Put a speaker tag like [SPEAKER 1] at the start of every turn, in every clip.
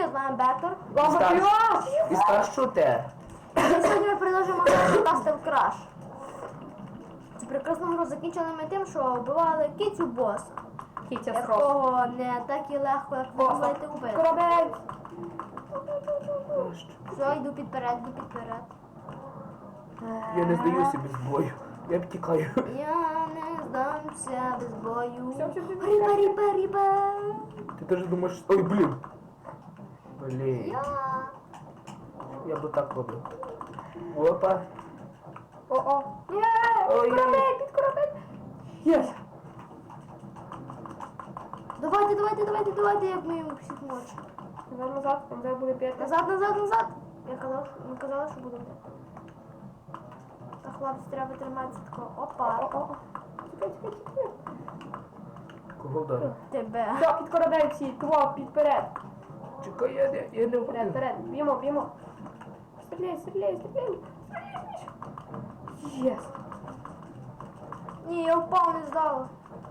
[SPEAKER 1] привіт, з вами Бектор.
[SPEAKER 2] І старш шутер.
[SPEAKER 1] І сьогодні ми продовжуємо Castle Crash. Цю прекрасну гру закінчили ми тим, що вбивали кицю боса. Якого не так і легко, як ви думаєте, убити.
[SPEAKER 3] Корабель!
[SPEAKER 1] Все, йду підперед, йду підперед.
[SPEAKER 2] Я не здаюся без бою. Я втікаю.
[SPEAKER 1] Я не здамся без бою.
[SPEAKER 3] Все.
[SPEAKER 1] Ріба.
[SPEAKER 2] Ти теж думаєш... Ой, блін. Блін. Я би так робив. Опа.
[SPEAKER 3] О-о! Є!
[SPEAKER 2] Ой.
[SPEAKER 3] Під корабель! Єс!
[SPEAKER 1] Давайте, як ми йому всіх мочимо.
[SPEAKER 3] Назад, там зараз буде п'яти.
[SPEAKER 1] Назад. Ми казали, що будемо. Та хлопці, треба триматися такого. Опа.
[SPEAKER 3] Чекай.
[SPEAKER 2] Кого вдарив?
[SPEAKER 1] Тебе.
[SPEAKER 3] Все, під корабель всі, тво, підперед.
[SPEAKER 2] Чекай, я не впаду.
[SPEAKER 3] Вперед, б'ємо. Стріляй. Єс!
[SPEAKER 1] Ні, я впав, не здала.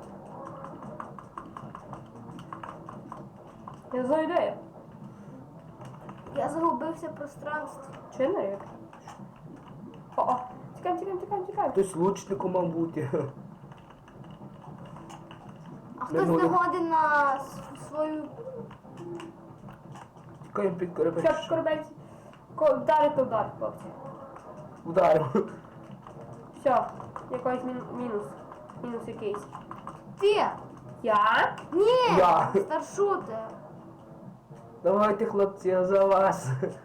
[SPEAKER 3] Я знаю, де я.
[SPEAKER 1] Я загубився в пространстві.
[SPEAKER 3] Чи не як? О-о! Тікаємо.
[SPEAKER 2] Хтось лучником мав бути.
[SPEAKER 1] А хтось не годен на свою...
[SPEAKER 2] Тікаємо під корабель.
[SPEAKER 3] Все, під корабель. Удар, хлопці.
[SPEAKER 2] Ударив.
[SPEAKER 3] Все, якийсь мінус. Мінус якийсь.
[SPEAKER 1] Ти!
[SPEAKER 3] Я?
[SPEAKER 1] Ні!
[SPEAKER 2] Я.
[SPEAKER 1] Старшутер.
[SPEAKER 2] Давайте, хлопці, я за вас.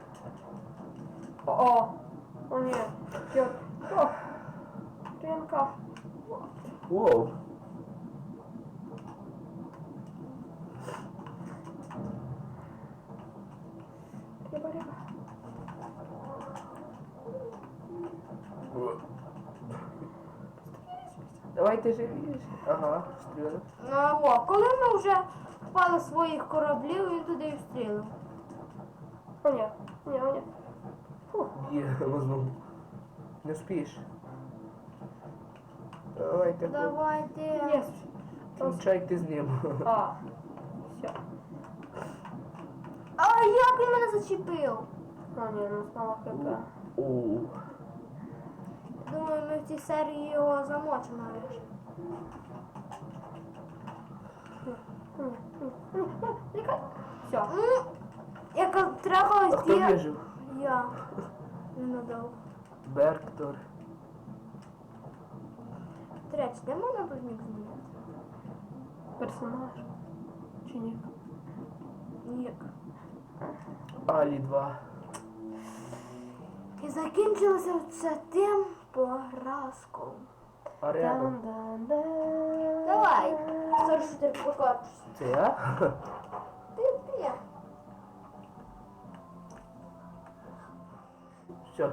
[SPEAKER 3] О, ні. О, Ринка.
[SPEAKER 2] Воу.
[SPEAKER 3] Риба.
[SPEAKER 2] Давайте живіше. Ага, стріляно.
[SPEAKER 1] Ну, коли ми вже впали з своїх кораблів, він туди і встрілив.
[SPEAKER 3] О, ні.
[SPEAKER 2] Є, знову. Не спіш. Давайте.
[SPEAKER 1] Давайте.
[SPEAKER 3] Єс.
[SPEAKER 2] Кінчайте з ним.
[SPEAKER 3] А, все.
[SPEAKER 1] А як він мене зачепив?
[SPEAKER 3] О, ні, ну знову хп.
[SPEAKER 2] Оу.
[SPEAKER 1] Думаю, ми в цій серії його замочимо нарешті.
[SPEAKER 3] Все.
[SPEAKER 1] Яка трахалась
[SPEAKER 2] А хто вижив?
[SPEAKER 1] Я. Ненадовго.
[SPEAKER 2] Бектор.
[SPEAKER 1] До речі, де можна тут нік змінити?
[SPEAKER 3] Персонаж. Чи ні?
[SPEAKER 1] Нік.
[SPEAKER 2] Алі 2.
[SPEAKER 1] І закінчилося це тим поразком.
[SPEAKER 2] А рядом?
[SPEAKER 1] Давай, старшутер, покажешся.
[SPEAKER 2] Це я?
[SPEAKER 1] Ти.
[SPEAKER 2] Все.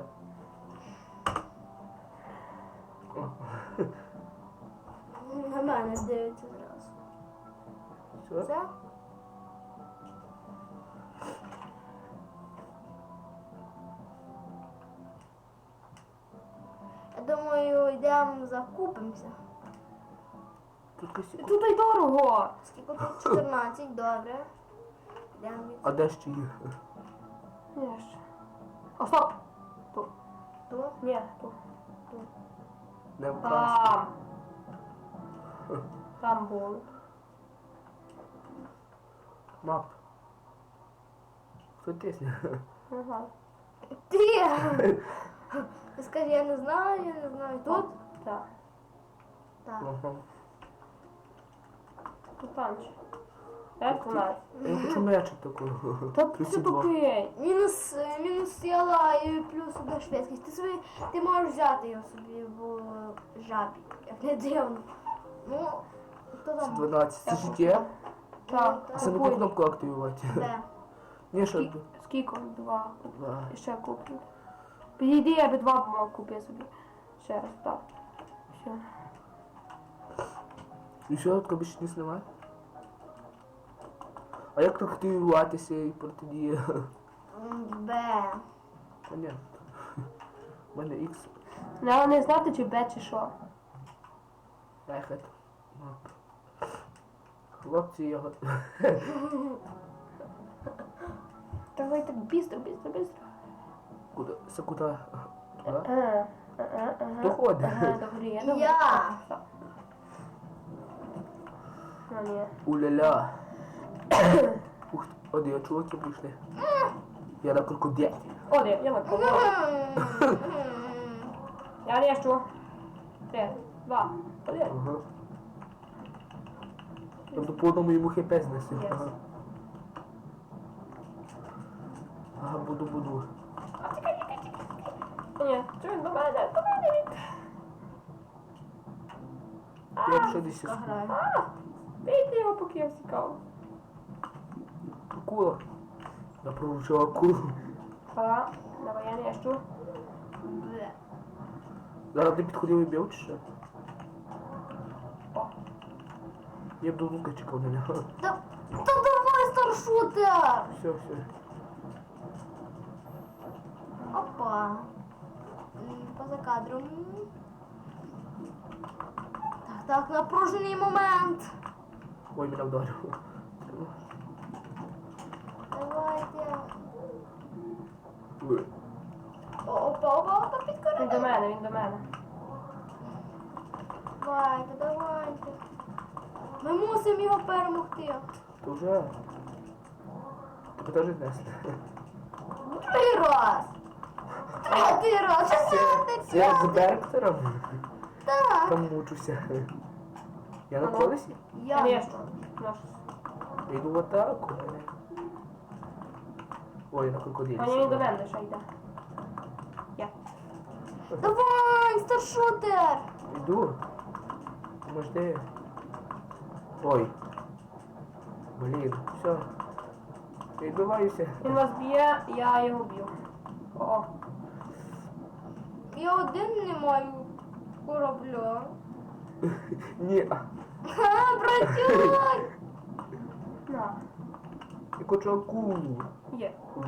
[SPEAKER 1] На мене дивиться зразу.
[SPEAKER 2] Все?
[SPEAKER 1] Все? Я думаю, йдемо закупимося.
[SPEAKER 2] Тут косі.
[SPEAKER 3] Тут й дорого.
[SPEAKER 1] Скільки тут? 14, добре. Йдемо від
[SPEAKER 2] А де ще є?
[SPEAKER 3] Ні, ще. О, стоп. Тут.
[SPEAKER 1] тут.
[SPEAKER 3] Ні, тут.
[SPEAKER 2] Не вкрасти.
[SPEAKER 3] Там. Там було.
[SPEAKER 2] Мап. Хто тисне?
[SPEAKER 3] Ага.
[SPEAKER 1] Ти! Ти скажи, я не знаю. Тут?
[SPEAKER 3] Так.
[SPEAKER 1] Так.
[SPEAKER 2] Ага.
[SPEAKER 3] Тут танч. Як у нас?
[SPEAKER 2] Я хочу м'ячик такого.
[SPEAKER 3] Та ти
[SPEAKER 2] 32.
[SPEAKER 3] тупий.
[SPEAKER 1] Мінус сила і плюс одна швидкість. Ти можеш взяти його собі в жабі, як не дивно. Ну, хто там?
[SPEAKER 2] 12. Це життя?
[SPEAKER 3] Так.
[SPEAKER 2] А це не по кнопку активувати.
[SPEAKER 1] Де?
[SPEAKER 2] Ні, що?
[SPEAKER 3] Скільки? 2.
[SPEAKER 2] Два.
[SPEAKER 3] І ще куплю. Підійди, я би 2 мав купити собі. Ще раз, так. Все.
[SPEAKER 2] І що, таке більше не знімає? А як так активуватися і протидія?
[SPEAKER 1] Б.
[SPEAKER 2] Понятно. У мене X.
[SPEAKER 3] Треба не знати, чи Б, чи що.
[SPEAKER 2] Ехет. Хлопці, я готовий.
[SPEAKER 3] Давай так быстро, быстро, быстро.
[SPEAKER 2] Куда? Це куди? Туди?
[SPEAKER 3] Ага.
[SPEAKER 2] Доходи.
[SPEAKER 3] Ага, добре, добре.
[SPEAKER 1] Я.
[SPEAKER 3] Все. Ну, ні.
[SPEAKER 2] Уля-ля. Ух, оди, чуваки прийшли. Я на крокодилі.
[SPEAKER 3] О, де, я на кого. Я режу. 3, 2, 1.
[SPEAKER 2] Ага. Тобто по одному йому хп знесли.
[SPEAKER 3] Yes.
[SPEAKER 2] Ага. Ага, буду.
[SPEAKER 3] Ні, чого він до мене? До мене він.
[SPEAKER 2] Я ще десь
[SPEAKER 1] Граю.
[SPEAKER 3] Бийте його, поки я всікав.
[SPEAKER 2] акула. Я проручив акулу.
[SPEAKER 3] Ага, давай я режу.
[SPEAKER 1] Бле.
[SPEAKER 2] Зараз ти підходив і бив чи що?
[SPEAKER 3] О,
[SPEAKER 2] Я б до лука чекав на нього.
[SPEAKER 1] Та давай, старшутер!
[SPEAKER 2] Все.
[SPEAKER 1] Опа. Поза кадром. Так, напружений момент.
[SPEAKER 2] Ой, мене вдарив.
[SPEAKER 1] Давайте.
[SPEAKER 2] Ой.
[SPEAKER 1] Опа,
[SPEAKER 3] він до
[SPEAKER 1] підкорили.
[SPEAKER 3] мене, він до мене.
[SPEAKER 1] Давайте. Ми мусимо його перемогти.
[SPEAKER 2] То вже. Тебе теж знесли.
[SPEAKER 1] Другий раз. Третій раз. Четвертий,
[SPEAKER 2] Це я з
[SPEAKER 1] п'ятий.
[SPEAKER 2] Берктером
[SPEAKER 1] Так.
[SPEAKER 2] там мучуся. Я на
[SPEAKER 3] Ага.
[SPEAKER 2] колесі?
[SPEAKER 1] Я.
[SPEAKER 3] Режу. Наш.
[SPEAKER 2] Я йду в атаку. Ой, на крокодилі.
[SPEAKER 3] А ні, він до мене ще йде. Я.
[SPEAKER 1] Давай, старшутер.
[SPEAKER 2] Йду. Може де? Ой. Блін, все. Я відбиваюся.
[SPEAKER 3] Він вас б'є, я його б'ю. О,
[SPEAKER 1] Я один не маю корабля.
[SPEAKER 2] Ні.
[SPEAKER 1] Ха, братюк!
[SPEAKER 3] на.
[SPEAKER 2] Я хочу акулу.
[SPEAKER 3] Є.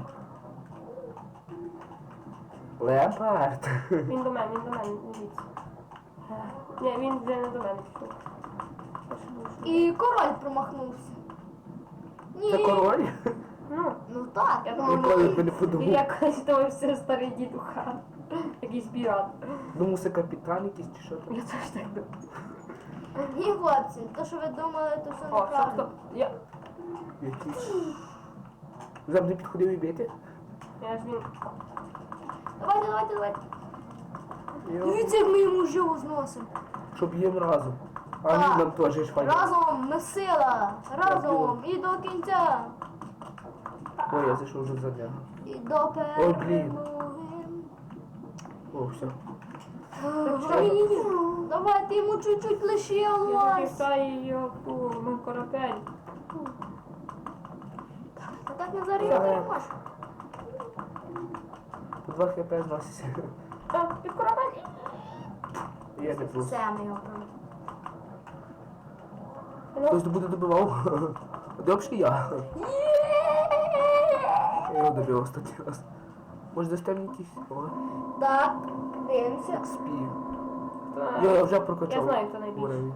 [SPEAKER 2] Леопард.
[SPEAKER 3] Він до мене, дивіться. Ні, він вже не до мене пішов.
[SPEAKER 1] І король промахнувся. Ні.
[SPEAKER 2] Це король?
[SPEAKER 1] Ну так.
[SPEAKER 3] Я
[SPEAKER 2] Ніколи
[SPEAKER 3] думав,
[SPEAKER 2] б не
[SPEAKER 3] він
[SPEAKER 2] подумав.
[SPEAKER 3] якось той все старий дід у хат. Якийсь пірат.
[SPEAKER 2] Думав, це капітан якийсь чи що там.
[SPEAKER 3] Я теж так думав.
[SPEAKER 1] Ні, хлопці, то, що ви думали, то все
[SPEAKER 3] О, стоп,
[SPEAKER 1] неправильно.
[SPEAKER 3] стоп. Я
[SPEAKER 2] Якийсь. Завжди підходив і бити.
[SPEAKER 3] ж він.
[SPEAKER 1] Давайте.
[SPEAKER 2] Я-
[SPEAKER 1] Дивіться, як ми йому живо зносимо.
[SPEAKER 2] Щоб їм разом. А
[SPEAKER 1] Так.
[SPEAKER 2] він нам теж ж файно.
[SPEAKER 1] Разом ми сила. Разом. І до кінця.
[SPEAKER 2] Ой, я зайшов вже за нього.
[SPEAKER 1] І до
[SPEAKER 2] Ой, блін.
[SPEAKER 1] перемоги.
[SPEAKER 2] О, все.
[SPEAKER 1] Давайте йому чуть-чуть
[SPEAKER 3] Я
[SPEAKER 1] лишилось.
[SPEAKER 3] захищаю його мій корабель.
[SPEAKER 1] А так ми зараз його переможемо.
[SPEAKER 2] По 2 хп зноситься.
[SPEAKER 3] А, під корабель.
[SPEAKER 2] Я не плюс.
[SPEAKER 1] Все, ми його переможемо.
[SPEAKER 2] Хтось буде добивав. Добре я. Я його добив останній раз. Може дасте мені якийсь? О,
[SPEAKER 1] Так, дивимося.
[SPEAKER 2] спів.
[SPEAKER 3] Так.
[SPEAKER 2] Я вже прокачав.
[SPEAKER 3] Я знаю, хто найбільший.
[SPEAKER 2] уровень.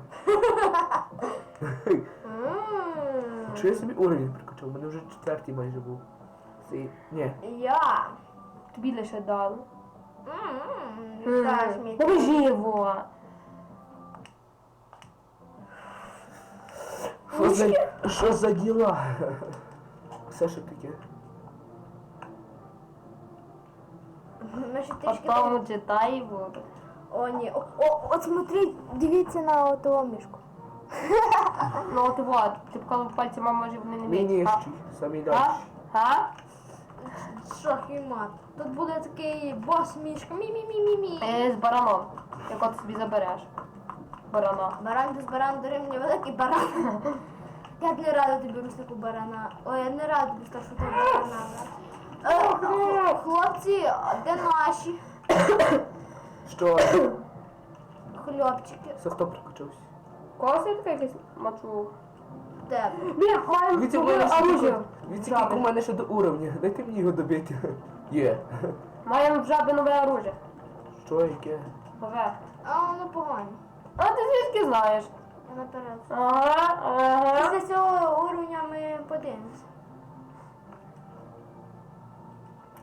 [SPEAKER 1] М.
[SPEAKER 2] Чи я собі уровень прокачав? У мене вже 4-й майже був. Ні.
[SPEAKER 1] Я.
[SPEAKER 3] Тобі лише дали.
[SPEAKER 1] Вітаєш мій.
[SPEAKER 3] Поможи його.
[SPEAKER 2] Що за діла? Все що таке?
[SPEAKER 1] Ми ще трішки
[SPEAKER 3] Потом читай його.
[SPEAKER 1] О, ні. От смотри, дивіться на того мішку.
[SPEAKER 3] Ну от вот, ти вколов пальці, мама, може вони не
[SPEAKER 2] Мій
[SPEAKER 3] вміють.
[SPEAKER 2] нижчий, самий
[SPEAKER 3] А?
[SPEAKER 2] дальший.
[SPEAKER 3] А?
[SPEAKER 1] Шах і мат. Тут буде такий бос мішка. Мі-мі-мі-мі-мі.
[SPEAKER 3] З бараном. Як от собі забереш. Барана.
[SPEAKER 1] Баран без баран дорівнює великий баран. Я б не рада тобі руснику барана. Ой, я не рада тобі скажу, що ти барана. Хлопці, де наші
[SPEAKER 2] Що?
[SPEAKER 1] хлопчики?
[SPEAKER 2] Це хто прокачався?
[SPEAKER 3] Кого це така якась мачу?
[SPEAKER 1] Тебе.
[SPEAKER 3] Блін, маємо
[SPEAKER 2] Дивіться,
[SPEAKER 3] оружие.
[SPEAKER 2] як у мене ще до уровня. Дайте мені його добити. Є.
[SPEAKER 3] Маємо в жаби нове оружие.
[SPEAKER 2] Що яке?
[SPEAKER 3] Нове.
[SPEAKER 1] А воно погано.
[SPEAKER 3] А ти звідки знаєш?
[SPEAKER 1] Я наперед.
[SPEAKER 3] Ага.
[SPEAKER 1] Після цього уровня ми подивимося.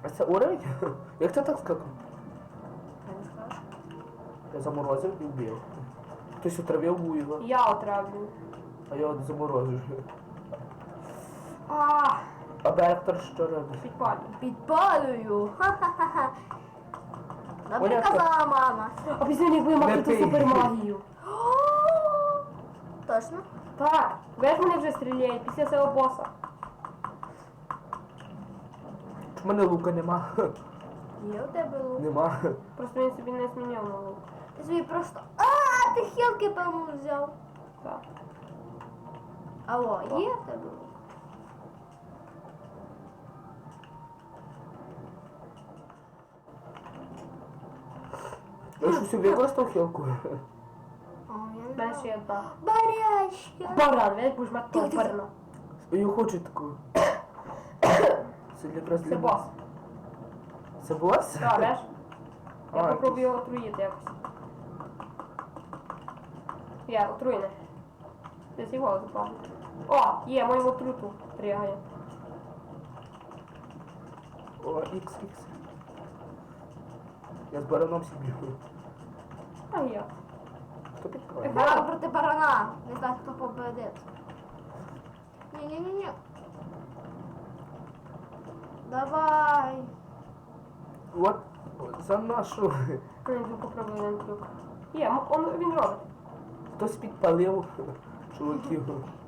[SPEAKER 2] А це уровень? Як це так скакав?
[SPEAKER 1] Я не скажу.
[SPEAKER 2] Я заморозив і вбив. Хтось отравив його,
[SPEAKER 3] Я отравлю.
[SPEAKER 2] а я от заморозив.
[SPEAKER 3] А,
[SPEAKER 2] А Бектор що робить?
[SPEAKER 3] підпалю.
[SPEAKER 1] Підпалюю. Ха-ха-ха. Добре
[SPEAKER 2] Понятно.
[SPEAKER 1] казала мама.
[SPEAKER 3] А після них будемо
[SPEAKER 2] Не
[SPEAKER 3] мати
[SPEAKER 2] пий.
[SPEAKER 3] супермагію.
[SPEAKER 1] Точно?
[SPEAKER 3] Так, весь мене вже стріляє після цього боса.
[SPEAKER 2] В мене лука нема.
[SPEAKER 1] Є у тебе лук.
[SPEAKER 2] Нема.
[SPEAKER 3] Просто він собі не зміняв на лук.
[SPEAKER 1] Ти собі просто... ти хілки, певно, взяв.
[SPEAKER 3] Так.
[SPEAKER 1] Алло, є в тебе лук?
[SPEAKER 2] Я щось використав хілку.
[SPEAKER 1] О, я
[SPEAKER 3] У мене
[SPEAKER 1] не
[SPEAKER 3] ще
[SPEAKER 1] знаю.
[SPEAKER 3] є одна.
[SPEAKER 1] Барячка.
[SPEAKER 3] Баран, він будеш мати того барана.
[SPEAKER 2] Я хочу таку. Це якраз
[SPEAKER 3] Це
[SPEAKER 2] для
[SPEAKER 3] бос.
[SPEAKER 2] Це бос?
[SPEAKER 3] Так, бачиш? Я
[SPEAKER 2] А,
[SPEAKER 3] попробую його отруїти якось. Я отруєний. Десь його запав. О, є, моєму отруту пригає.
[SPEAKER 2] О, XX. Я з бараном собі.
[SPEAKER 3] А я.
[SPEAKER 2] Хто підкриває?
[SPEAKER 1] Баран проти барана. Не знаю, хто победить. Ні-ні-ні-ні. Давай.
[SPEAKER 2] От за нашу.
[SPEAKER 3] Я йду попробую один трюк. Є, він робить.
[SPEAKER 2] Хтось підпалив чуваків.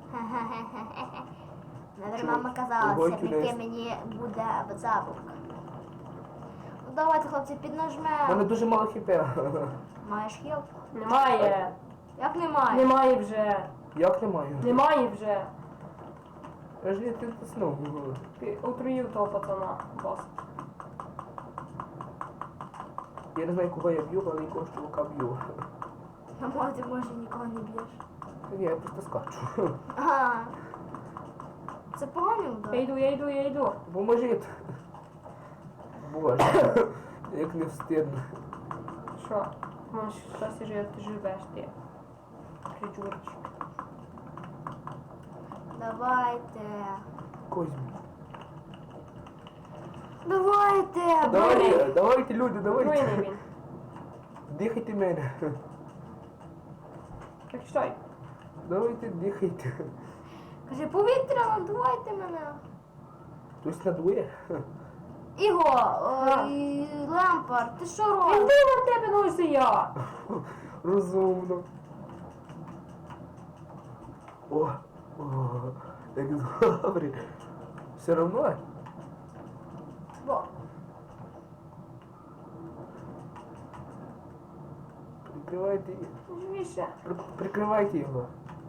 [SPEAKER 1] Навіть мама казала,
[SPEAKER 2] Ого,
[SPEAKER 1] це
[SPEAKER 2] кінець.
[SPEAKER 1] яке мені буде запуск. Ну давайте, хлопці,
[SPEAKER 2] У мене
[SPEAKER 1] піднажмемо.
[SPEAKER 2] дуже мало хп.
[SPEAKER 1] Маєш хілку?
[SPEAKER 3] Немає.
[SPEAKER 1] Як немає?
[SPEAKER 3] Немає вже.
[SPEAKER 2] Як немає?
[SPEAKER 3] Немає вже.
[SPEAKER 2] Я ж не тиснув.
[SPEAKER 3] Ти отруїв того пацана, бос.
[SPEAKER 2] Я не знаю, кого я б'ю, але якогось чувака б'ю.
[SPEAKER 1] А може, ти може нікого не б'єш.
[SPEAKER 2] Ні, я просто скачу.
[SPEAKER 1] Ага. Це поганий удар.
[SPEAKER 3] Я йду.
[SPEAKER 2] Поможіть. Боже, як не встидно.
[SPEAKER 3] Що? Можеш щось ти живеш ти. Придурчик.
[SPEAKER 1] Давайте.
[SPEAKER 2] Когось.
[SPEAKER 1] Давайте.
[SPEAKER 2] Давайте, давайте, люди, давайте.
[SPEAKER 3] Отруєний він.
[SPEAKER 2] Дихайте мене.
[SPEAKER 3] Так що?
[SPEAKER 2] Давайте, дихайте.
[SPEAKER 1] Каже, повітря, надувайте мене.
[SPEAKER 2] Хтось надує?
[SPEAKER 1] Іго, ой, Лемпард, ти що
[SPEAKER 3] Іди
[SPEAKER 1] робиш?
[SPEAKER 3] на тебе, ну ось і я.
[SPEAKER 2] Розумно. О, як добре. Все равно?
[SPEAKER 1] Бо,
[SPEAKER 2] Прикривайте,
[SPEAKER 3] Живіше.
[SPEAKER 2] прикривайте його.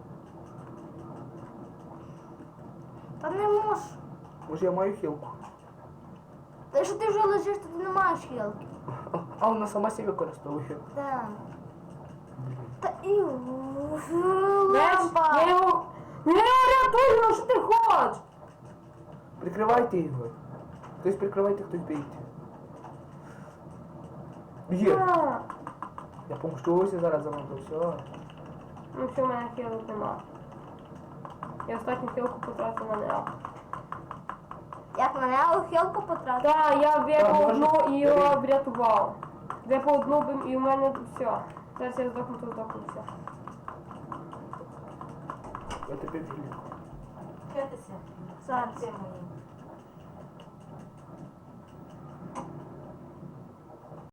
[SPEAKER 1] та не можеш.
[SPEAKER 2] Може я маю хілку?
[SPEAKER 1] Та якщо ти вже лежиш, то ти не маєш хілки.
[SPEAKER 2] А вона сама себе використовує.
[SPEAKER 1] Так. Та і
[SPEAKER 3] Я
[SPEAKER 1] Лемпард.
[SPEAKER 3] його... Я його рятую, ну що ти хочеш?
[SPEAKER 2] Прикривайте його. Хтось прикривайте, хтось бійте. Є.
[SPEAKER 3] А,
[SPEAKER 2] Я помщуся зараз за вами. Все.
[SPEAKER 3] Ну все, в мене хілок нема. Я останню хілку потратив на нео.
[SPEAKER 1] Як мене у хілку потратив?
[SPEAKER 3] Так, я випав
[SPEAKER 2] можна?
[SPEAKER 3] одну і його врятував. Випав одну і в мене все. Зараз я здохну, то здохну все.
[SPEAKER 2] Я тебе вілю.
[SPEAKER 1] Зараз.
[SPEAKER 4] Це мої.